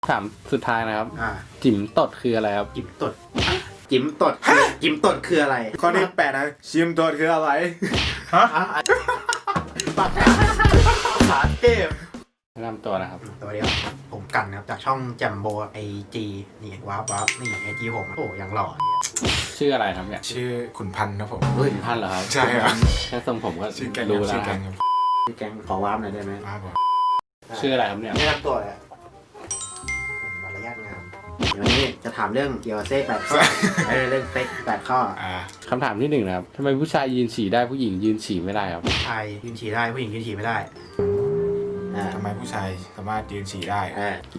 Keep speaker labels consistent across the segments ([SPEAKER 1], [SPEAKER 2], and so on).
[SPEAKER 1] ถามสุดท้ายนะครับ
[SPEAKER 2] จิ๋มตด
[SPEAKER 1] คืออะไรครับ
[SPEAKER 2] จิ๋มตดจิ๋มตดจิ๋มตดคืออะไร
[SPEAKER 3] ข้อที่8นะชิมตดคืออะไร
[SPEAKER 2] ฮะปากขาเทพ
[SPEAKER 1] แนะนำตัวนะครับ
[SPEAKER 2] ตัวเดียวผมกันครับจากช่องแจมโบไอจีนี่ว้าวนี่ไอจีผมโอ้ยังหล่อ
[SPEAKER 1] ชื่ออะไรครับเนี่ย
[SPEAKER 3] ชื่อขุนพันธ์ครับผม
[SPEAKER 1] ขุนพันธ์เหรอครับ
[SPEAKER 3] ใช่ครับ
[SPEAKER 1] แค่ทรงผมก็
[SPEAKER 3] รู้
[SPEAKER 1] แล้ว
[SPEAKER 3] ครับ
[SPEAKER 2] ชื่อแกงขอว้าวหน่อยได้ไหม
[SPEAKER 1] ชื่ออะไรครับเนี่ย
[SPEAKER 2] แนะนำตัวเลยมารยาทงามวันนี้จะถามเรื่องเกี่ยวกับเซ็ก8ข้อเรื่องเซ็ก8ข้อ
[SPEAKER 1] คำถามที่1นะครับทำไมผู้ชายยืนฉี่ได้ผู้หญิงยืนฉี่ไม่ได้ครับ
[SPEAKER 2] ผู้ชายยืนฉี่ได้ผู้หญิงยืนฉี่ไม่ได้
[SPEAKER 3] ทำไมผู้ชายสามารถยืนฉี่ได้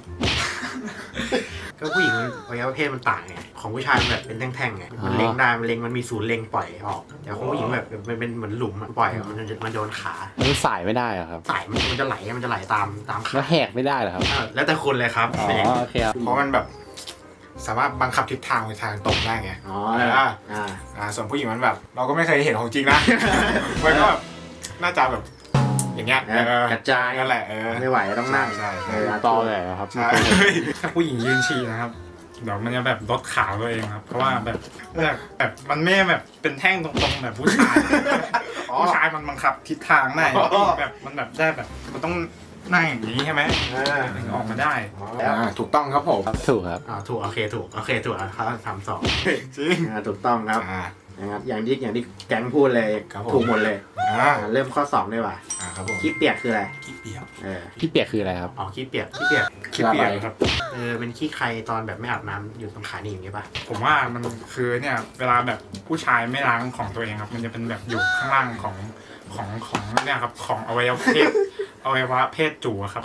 [SPEAKER 2] ก็ผู้หญิงอวัยวะเพศมันต่างไงของผู้ชายมันแบบเป็นแท่งๆไงมันเล็งได้มันเล็งมันมีศูนย์เล็งปล่อยออกแต่ของผู้หญิงแบบมันเป็นเหมือนหลุมปล่อยมันโดนขา
[SPEAKER 1] มันสายไม่ได้เหรอครับ
[SPEAKER 2] สายมันจะไหลตามขา
[SPEAKER 1] แล้วแหกไม่ได้เหรอครับ
[SPEAKER 2] แล้วแต่คนเลยครับ
[SPEAKER 1] โอเคครับ
[SPEAKER 3] เพราะมันแบบสามารถบังคับทิศทางไปทางตรงได้ไงส่วนผู้หญิงมันแบบเราก็ไม่เคยเห็นของจริงนะมันก็แบบน่าจะแบบอย่างเงี้ย
[SPEAKER 2] กระจาย
[SPEAKER 3] นั่นแหละ
[SPEAKER 2] ไม่ไหวต้องนั่ง
[SPEAKER 3] ใช่
[SPEAKER 1] ตอเลยครับ
[SPEAKER 4] ถ้าผู้หญิงยืนฉี่นะครับเดี๋ยวมันจะแบบลดขาตัวเองครับเพราะว่าแบบมันไม่แบบเป็นแท่งตรงๆแบบผู้ชายผู้ชายมันบังคับทิศทางได้แบบมันแบบได้แบบมันต้องนั่งอย่างนี้ใช่ไหมถึงออกมาได้
[SPEAKER 3] ถูกต้องครับผม
[SPEAKER 1] ถูกครับ
[SPEAKER 2] ถูกโอเคถูกครับทำ2
[SPEAKER 3] จริง
[SPEAKER 2] ถูกต้องครับนะครับอย่างที่แก๊งพูดเลยถูกหมดเลยเริ่มข้อ2ได้ป่ะ
[SPEAKER 3] ครับผม
[SPEAKER 2] ขี้เปียกคืออะไร
[SPEAKER 3] ขี้เปียก
[SPEAKER 1] ขี้เปียกคืออะไรครับ
[SPEAKER 2] ขี้เปียก
[SPEAKER 4] ครับ
[SPEAKER 2] เป็นขี้ใครตอนแบบไม่อาบน้ำอยู่ตรงขาหนีอย่างนี้ป่ะ
[SPEAKER 4] ผมว่ามันคือเนี่ยเวลาแบบผู้ชายไม่ล้างของตัวเองครับมันจะเป็นแบบอยู่ข้างล่างของเนี่ยครับของอวัยวะเพศจู่ครับ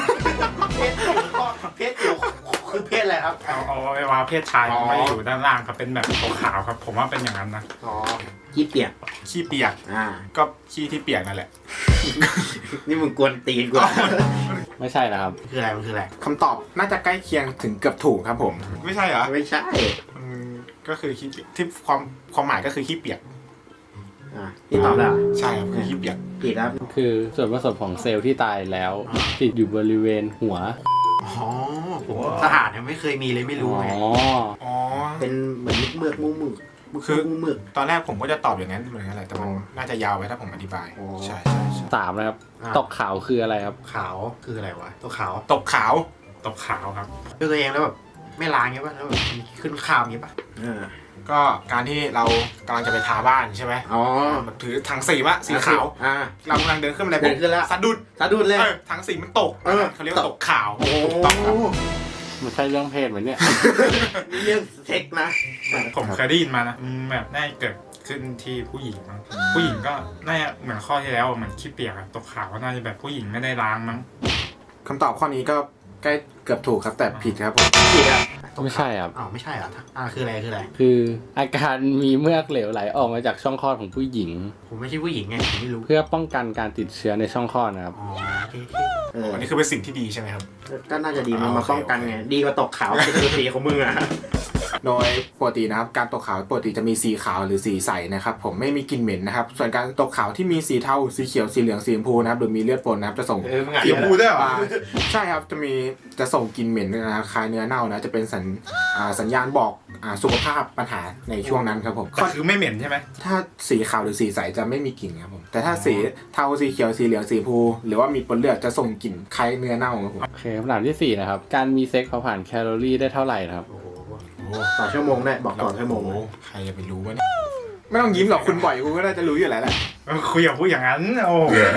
[SPEAKER 2] เพศจู่คือเพศอะไรครับ
[SPEAKER 4] อวัยวะเพศชายไม่อยู่ด้านล่างครับเป็นแบบขาวครับผมว่าเป็นอย่างนั้นนะ
[SPEAKER 2] ขี้เปียก
[SPEAKER 3] ก็ขี้ที่เปียกนั่นแหละ
[SPEAKER 2] นี่มึงกวนตีนกู
[SPEAKER 1] ไม่ใช่นะครับ
[SPEAKER 2] คืออะไรมันคืออะไร
[SPEAKER 3] คำตอบน่าจะใกล้เคียงถึงเกือบถูกครับผมไม่ใช่เหรอ
[SPEAKER 2] ไม่ใช่
[SPEAKER 3] ก็คือขี้ที่ความหมายก็คือขี้เปียก
[SPEAKER 2] พี่ตอบแล้ว
[SPEAKER 3] ใช่ครับคือขี้เปียก
[SPEAKER 2] ผิดครับ
[SPEAKER 1] คือส่วนผสมของเซลล์ที่ตายแล้วติดอยู่บริเวณหัว
[SPEAKER 2] ผมสะอาดเนี่ยไม่เคยมีเลยไม่รู้ไงเป็นเหมือนเมือก
[SPEAKER 3] คือตอนแรกผมก็จะตอบอย่างนั้นเหมือนกันแหละแต่มันน่าจะยาวไปถ้าผมอธิบายใช่
[SPEAKER 1] 3นะครับตกขาวคืออะไรครับ
[SPEAKER 2] ขาวคืออะไรวะตกขาว
[SPEAKER 4] ครับ
[SPEAKER 2] ด้วยตัวเองแล้วแบบไม่ล้างเงี้ยป่ะแล้วแบบขึ้นข้าวเงี้ยป่ะ
[SPEAKER 3] ก็การที่เรากำลังจะไปทาบ้านใช่ไหมถือถังสีขาวเรากำลังเดินขึ้นบันไดสะดุดเลยถังสีมันตกเขาเรียกว่าตกขาวต้องครับ
[SPEAKER 1] มันใช่เรื่องเพศไหมเนี่ย
[SPEAKER 2] เรื่องเซ็กนะ
[SPEAKER 4] ผมเคยได้ยินมานะแบบน่าเกิดขึ้นที่ผู้หญิงมั้งผู้หญิงก็น่าจะเหมือนข้อที่แล้วเหมือนขี้เปียกตกขาวก็น่าจะแบบผู้หญิงไม่ได้ล้างมั้ง
[SPEAKER 3] คำตอบข้อนี้ก็ใกล้เกือบถูกครับแต่ผิดครับผม
[SPEAKER 2] ผิดอ่ะ
[SPEAKER 1] ไม่ใช่ครับ
[SPEAKER 2] ไม่ใช่เหรอคืออะไร
[SPEAKER 1] คืออาการมีเมือกเหลวไหลออกมาจากช่องคลอดของผู้หญิง
[SPEAKER 2] ผมไม่ใช่ผู้หญิงไงผมไม่รู้
[SPEAKER 1] เพื่อป้องกันการติดเชื้อในช่องคลอดนะครับ
[SPEAKER 3] อันนี้คือเป็นสิ่งที่ดีใช่ไหมครับ
[SPEAKER 2] ก็น่าจะดีมันมาป้องกันไงดีกว่าตกขาวเป็นสีของมึงอ่ะ
[SPEAKER 3] โดยปกตินะครับการตกขาวปกติจะมีสีขาวหรือสีใสนะครับผมไม่มีกลิ่นเหม็นนะครับส่วนการตกขาวที่มีสีเทาสีเขียวสีเหลืองสีชมพูนะครับโดยมีเลือดปนนะครับจะส่ง
[SPEAKER 2] สีชมพูได้หรอ
[SPEAKER 3] ใช่ครับจะส่งกลิ่นเหม็นนะคล้ายเนื้อเน่านะจะเป็นสัญญาณบอกสุขภาพปัญหาในช่วงนั้นครับผม
[SPEAKER 4] ก็คือไม่เหม็นใช่ไหม
[SPEAKER 3] ถ้าสีขาวหรือสีใสจะไม่มีกลิ่นครับผมแต่ถ้าสีเทาสีเขียวสีเหลืองสีชมพูหรือว่ามีปนเลือดจะส่งกลิ่นคล้ายเนื้อเน่าครับผม
[SPEAKER 1] โอเคคำถามที่4นะครับการมีเซ็กเผาผลาญแคลอรี่ได้เท่าไหร่ครับ
[SPEAKER 2] ต่อชั่วโมงได้บอกต่อชั่วโมง
[SPEAKER 3] ใครจะไปรู้วะเนี่ยไม่ต้องยิ้มหรอกคุณบ่อยคุณก็น่าจะรู้อยู่แล้วแหละ
[SPEAKER 4] คุยกับผู้อย่างนั้นโอ้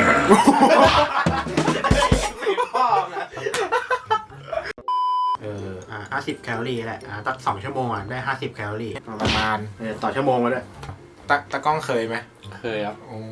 [SPEAKER 2] 50 แคลอรี่แหละตัก2 ชั่วโมงได้50 แคลอรี่
[SPEAKER 3] ประมาณ
[SPEAKER 2] ต่อชั่วโมงมาด้วย
[SPEAKER 3] ตะก้องเคยไหม
[SPEAKER 1] เคยครับ
[SPEAKER 3] โอ้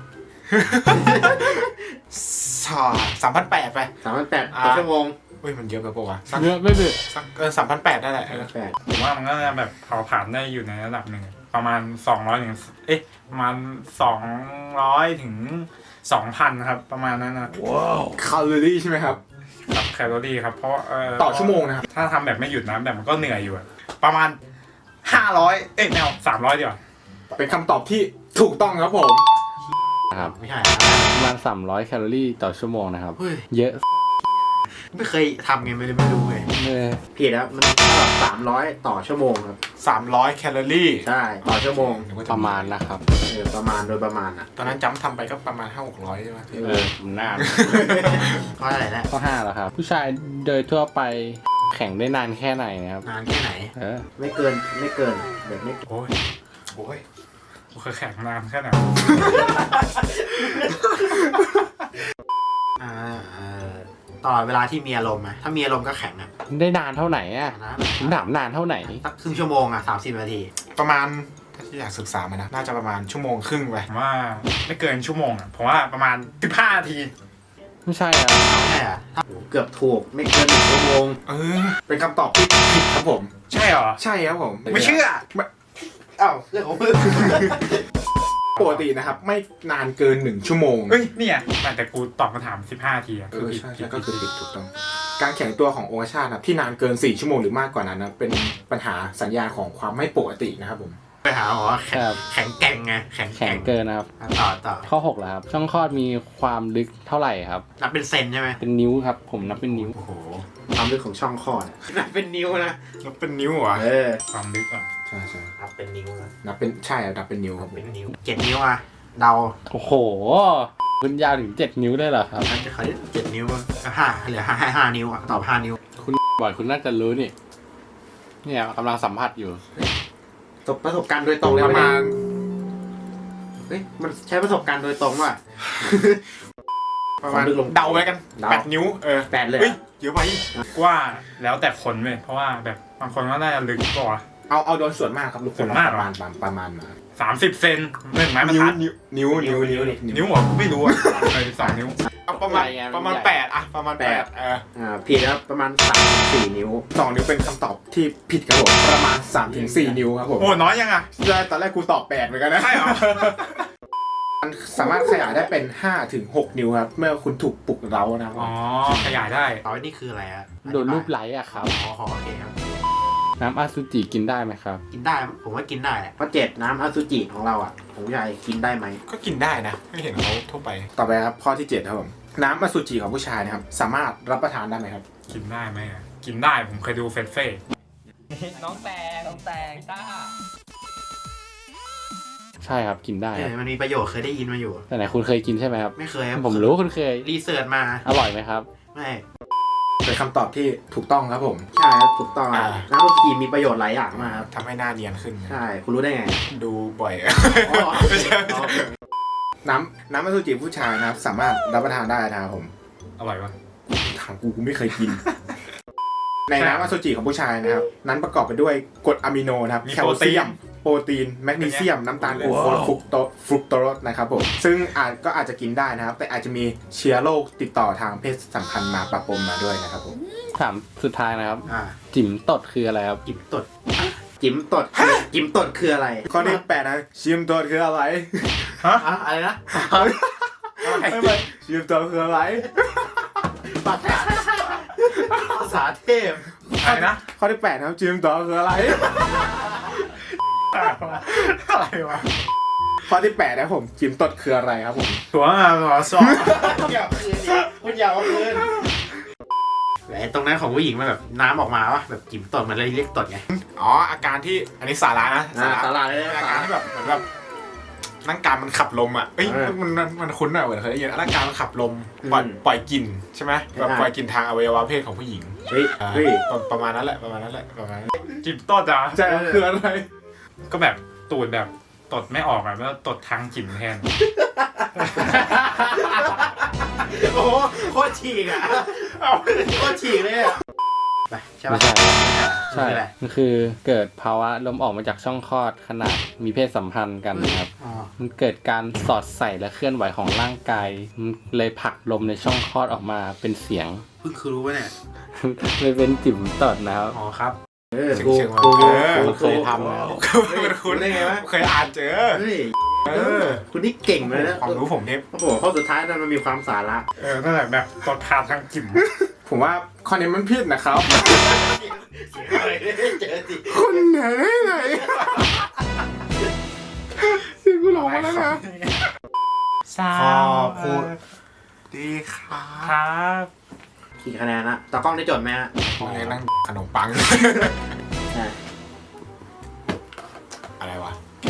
[SPEAKER 3] 3,800ไป
[SPEAKER 2] 3,800ต่อชั่วโมง
[SPEAKER 3] มันเยอะไปปะวะ
[SPEAKER 1] ไม่เดือด
[SPEAKER 3] สัก3,800ได้แหละ
[SPEAKER 4] ผมว่ามันก็จะแบบเผาผลาญได้อยู่ในระดับหนึ่งประมาณ200ถึงประมาณ200ถึง 2,000 ครับประมาณนั้นนะ
[SPEAKER 3] ว้าวแคลอรี่ใช่ไหมครับ
[SPEAKER 4] แคลอรี่ครับเพราะ
[SPEAKER 3] ต่อชั่วโมงนะครับ
[SPEAKER 4] ถ้าทำแบบไม่หยุดนะแบบมันก็เหนื่อยอยู่ประมาณ500แนว300ดีกว่า
[SPEAKER 3] เป็นคำตอบที่ถูกต้องครับผม
[SPEAKER 1] ครับ
[SPEAKER 2] ไม่ใช่
[SPEAKER 1] ประมาณ300 แคลอรี่ต่อชั่วโมงนะครับเยอะ
[SPEAKER 2] ไม่เคยทำไงไม่รู้ไง
[SPEAKER 1] ผิดครับมัน300ต่อชั่วโมงครับ
[SPEAKER 3] 300 แคลอรี่
[SPEAKER 1] ใช่ต่อชั่วโมง
[SPEAKER 2] ประมาณนะครับ
[SPEAKER 1] ประมาณโดยประมาณอ่ะ
[SPEAKER 3] ตอนนั้นจำทำไปก็ประมาณ 500-600 ใช่ไหม
[SPEAKER 1] นาน
[SPEAKER 2] ข้ออะไรนะ
[SPEAKER 1] ข้อ5แล้วครับ ผู้ชายโดยทั่วไปแข่งได้นานแค่ไหนนะครับ
[SPEAKER 2] นานแค่ไหน
[SPEAKER 1] ไม่เกินแบบไม่
[SPEAKER 3] โอ้ย
[SPEAKER 4] กูเคยแข่งนานแค่ไหน
[SPEAKER 2] ตลอดเวลาที่มีอารมณ์ไหมถ้ามีอารมณ์ก็แข็งนะ
[SPEAKER 1] ได้นานเท่าไหนอ่ะ
[SPEAKER 2] นะ
[SPEAKER 1] ผมถามนานเท่าไหน
[SPEAKER 2] สักครึ่งชั่วโมงอ่ะ30 นาที
[SPEAKER 3] ประมาณถ้าที่อยากศึกษามานะ น่าจะประมาณชั่วโมงครึ่งไป
[SPEAKER 4] ผมว่าไม่เกินชั่วโมงอ่ะผมว่าประมาณ15 นาที
[SPEAKER 1] ไม่ใช่อ่ะ
[SPEAKER 2] ใช่อ่ะถ้า
[SPEAKER 1] เกือบถูกไม่เกิน1 ชั่วโมง
[SPEAKER 3] เป็นคำตอบที่ผิดครับผม
[SPEAKER 4] ใช่เหรอ
[SPEAKER 3] ใช่ครับผม
[SPEAKER 4] ไม่เชื่อ
[SPEAKER 2] อ้าวเรื่องของมึง
[SPEAKER 3] ปกตินะครับ ไม่นานเกิน1 ชั่วโมง
[SPEAKER 4] เฮ้ยเนี่ยแต่กูตอบคำถาม15 นาทีอ่ะ
[SPEAKER 3] ใช่ก็คือผิดถูกต้อง การแข็งตัวขององคชาตนะครับที่นานเกิน4 ชั่วโมงหรือมากกว่านั้นนะเป็นปัญหาสัญญาณของความไม่ปกตินะครับผม
[SPEAKER 2] ไปหาหมอแข็งแกร่งไงแข็ง
[SPEAKER 1] แข็งเกินนะครับ
[SPEAKER 2] ต่อ
[SPEAKER 1] ข้อ6แล้วครับ ช่องคลอดมีความลึกเท่าไหร่ครับ
[SPEAKER 2] นับเป็นเซนใช่ไหม
[SPEAKER 1] เป็นนิ้วครับ ผมนับเป็นนิ้ว
[SPEAKER 2] โอ้โห
[SPEAKER 1] ความลึกของช่องคลอด
[SPEAKER 2] นับเป็นนิ้วนะ
[SPEAKER 3] นับเป็นนิ้วเหรอ
[SPEAKER 4] ความลึกอ่ะ
[SPEAKER 3] ใช่ใช่
[SPEAKER 2] นับเป็นนิ้วนะ
[SPEAKER 3] นับเป็นใช่ครับนับเป็นนิ้วครับ
[SPEAKER 2] เป็นนิ้ว7 นิ้วอ่ะเดา
[SPEAKER 1] โอ้โห คุณยาวถึง7 นิ้วได้เหรอครับ
[SPEAKER 2] น่าจะเขา7 นิ้วเหลือ5 นิ้วอ่ะตอบ5 นิ้ว
[SPEAKER 1] คุณบ่อยคุณน่าจะรู้นี่ เนี่ยกำลังสัมผัสอยู่
[SPEAKER 2] ประสบการณ์โดยตรงเลย
[SPEAKER 3] ประมาณ
[SPEAKER 2] เฮ้ยมันใช้ประสบการณ์โดยตรงว่ะ
[SPEAKER 3] ประมาณ
[SPEAKER 1] ความลึกลง
[SPEAKER 3] เดาไปกัน
[SPEAKER 1] เดา
[SPEAKER 3] 8 นิ้ว
[SPEAKER 1] 8เลย
[SPEAKER 3] เฮ้ยเยอะไป
[SPEAKER 4] ว่าแล้วแต่คนเว้ยเพราะว่าแบบบางคนก็น่าจะลึกกว่า
[SPEAKER 3] เอาโดนส่วนมากครับลูก
[SPEAKER 4] ส่วนมาก
[SPEAKER 3] ประมาณมา
[SPEAKER 4] 30 เซน1 ไม้บรร
[SPEAKER 3] นิ้ว
[SPEAKER 4] ทัด
[SPEAKER 3] นิ้ว
[SPEAKER 4] นิ้วเหรอไม่รู้อ่ะ12 นิ้ว
[SPEAKER 3] เอาประมาณ8อะประมาณ8
[SPEAKER 1] ผิดครับประมาณ3-4 นิ้ว
[SPEAKER 3] 2 นิ้วเป็นคำตอบที่ผิดครับผมประมาณ 3-4 นิ้วครับผม
[SPEAKER 4] โอ้น้อยยังอ่ะ
[SPEAKER 3] ตอนแรกกูตอบ8เหมือนกันนะ
[SPEAKER 4] ใช่เหรอ
[SPEAKER 3] มันสามารถขยายได้เป็น5-6 นิ้วครับเมื่อคุณถูกปลุกเร้านะครับ
[SPEAKER 4] อ๋อขยายได้
[SPEAKER 2] ต่อไปนี่คืออะไรอ่ะ
[SPEAKER 1] โดนรูปไล้อะครับ
[SPEAKER 2] อ๋อโอเคครับ
[SPEAKER 1] น้ำอสุจิกินได้ไหมครับ
[SPEAKER 2] กินได้ผมว่ากินได้แหละ
[SPEAKER 1] ข้อ7น้ำอสุจิของเราอ่ะของผู้ชายกินได้ไหม
[SPEAKER 3] ก็กินได้นะไม่เห็นเขาทั่วไปต่อไปครับข้อที่7ครับผมน้ำอสุจิของผู้ชายนะครับสามารถรับประทานได้ไหมครับ
[SPEAKER 4] กินได้ไหมอ่ะกินได้ผมเคยดูเฟสเฟ่
[SPEAKER 5] น้องแตงต้า
[SPEAKER 1] ใช่ครับกินได้ครับ
[SPEAKER 2] มันมีประโยชน์เคยได้ยินมาอยู่
[SPEAKER 1] แต่ไหนคุณเคยกินใช่ไหมครับ
[SPEAKER 2] ไม่เคยครับ
[SPEAKER 1] ผมรู้คุณเคย
[SPEAKER 2] รีเสิร์ชมา
[SPEAKER 1] อร่อยไหมครับ
[SPEAKER 2] ไม่
[SPEAKER 3] เป็นคำตอบที่ถูกต้องครับผม
[SPEAKER 1] ใช่ครับถูกต้อง
[SPEAKER 3] อ่า
[SPEAKER 1] น้ำอสุจิมีประโยชน์หลายอย่างมากครับ
[SPEAKER 3] ทำให้หน้าเนียนขึ้น
[SPEAKER 1] ใช่ คุณรู้ได้ไง
[SPEAKER 3] ดูบ่อย
[SPEAKER 2] อ๋อ
[SPEAKER 3] ไม่ใช่น้ำอสุจิผู้ชายนะครับสามารถรับประทานได้นะครับผม
[SPEAKER 4] อร่อยวะ
[SPEAKER 3] ถามกูไม่เคยกิน ในน้ำอสุจิของผู้ชายนะครับนั้นประกอบไปด้วยกรดอะมิโนนะครับแคลเซียมโปรตีนแมกนีเซียมน้ำตาลกลูโคสฟรุกโตสนะครับผมซึ่งอาจจะกินได้นะครับแต่อาจจะมีเชื้อโรคติดต่อทางเพศสัมพันธ์มาปะปนมาด้วยนะครับผม
[SPEAKER 1] ถามสุดท้ายนะครับ
[SPEAKER 2] อ่า
[SPEAKER 1] จิ๋มตดคืออะไรครับ
[SPEAKER 2] จิบตด
[SPEAKER 1] จิ๋มตดจิ๋มตดคืออะไร
[SPEAKER 3] ข้อที่8นะชิมตัวคืออะไร
[SPEAKER 2] อะไรนะ
[SPEAKER 3] ไม่ชิมตัวคืออะไร
[SPEAKER 2] ภาษาเทพ
[SPEAKER 4] อะไรนะ
[SPEAKER 3] ข้อที่8นะครับชิมตัวคืออะไร
[SPEAKER 4] อะไรวะ
[SPEAKER 3] ข้อที่8นะครับผมจิมตดคืออะไรครับผม
[SPEAKER 4] ตัวหัวสอบ
[SPEAKER 2] อย่าคืนดิคุณอย่าเอาคืนไอ้ตรงนั้นของผู้หญิงมันแบบน้ำออกมาวะแบบจิ๋มตดมันเลยเรียกตดไง
[SPEAKER 3] อ๋ออาการที่อันนี้สาระนะ
[SPEAKER 1] สาระเลย
[SPEAKER 3] อาการที่แบบเหมือนแบบร่างกายมันขับลมอ่ะเอ้ยมันคุ้นหน่อยเหมือนเคยได้ยินร่างกายมันขับลมปล่อยกลิ่นใช่ไหมแบบปล่อยกลิ่นทางอวัยวะเพศของผู้หญิง
[SPEAKER 1] เฮ้ย
[SPEAKER 3] ประมาณนั้นแหละประมาณนั้น
[SPEAKER 4] จิบต้นอ่ะ
[SPEAKER 3] ใช่คืออะไร
[SPEAKER 4] ก็แบบตูดแบบตดไม่ออกอ่ะแล้วตดทางจิ๋มแทน
[SPEAKER 2] โอ้โหโคตรฉีกอ่ะโคตรฉีกเลยอ่ะไปใช่
[SPEAKER 1] ไม่
[SPEAKER 2] ปะ
[SPEAKER 1] ใช่ ใช่ มันคือเกิดภาวะลมออกมาจากช่องคลอดขณะมีเพศสัมพันธ์กันนะครับ
[SPEAKER 2] อ๋อ
[SPEAKER 1] มันเกิดการสอดใส่และเคลื่อนไหวของร่างกาย มันเลยผลักลมในช่องคลอดออกมาเป็นเสียง
[SPEAKER 2] เพิ่งคือรู้ว่าเนี่ย
[SPEAKER 1] เลยเป็นจิ๋มตดนะครับ
[SPEAKER 2] อ๋อครับ
[SPEAKER 1] กู
[SPEAKER 3] เชิงๆ
[SPEAKER 1] กู
[SPEAKER 3] มา
[SPEAKER 1] เคยทำนะ
[SPEAKER 3] มันคุ้น
[SPEAKER 2] ได้ไงวะ
[SPEAKER 3] เคยอ่านเจอ
[SPEAKER 1] เฮ้ย
[SPEAKER 3] อ
[SPEAKER 1] คุณนี่เก่งเลยนะ
[SPEAKER 3] ความรู้ผมเนี่ย
[SPEAKER 1] โอ้โหข้อสุดท้ายนั้นมันมีความสาระ
[SPEAKER 4] นั่นแหละแบบตดผ่านทางจิ๋ม
[SPEAKER 3] ผมว่าข้อนี้มันผิดนะครับ
[SPEAKER 2] อะไรได้เจอสิ
[SPEAKER 3] คนไหนไหนที่กูหลงมาแล้วนะ
[SPEAKER 4] ขอบคุณ
[SPEAKER 3] ดีครั
[SPEAKER 4] ครับ
[SPEAKER 3] บ
[SPEAKER 2] กี่คะแนนละตากล้องได้จดไหมฮะ
[SPEAKER 3] พวกนี้นั่งขนมปัง
[SPEAKER 2] อ่ะ
[SPEAKER 3] อะไรวะ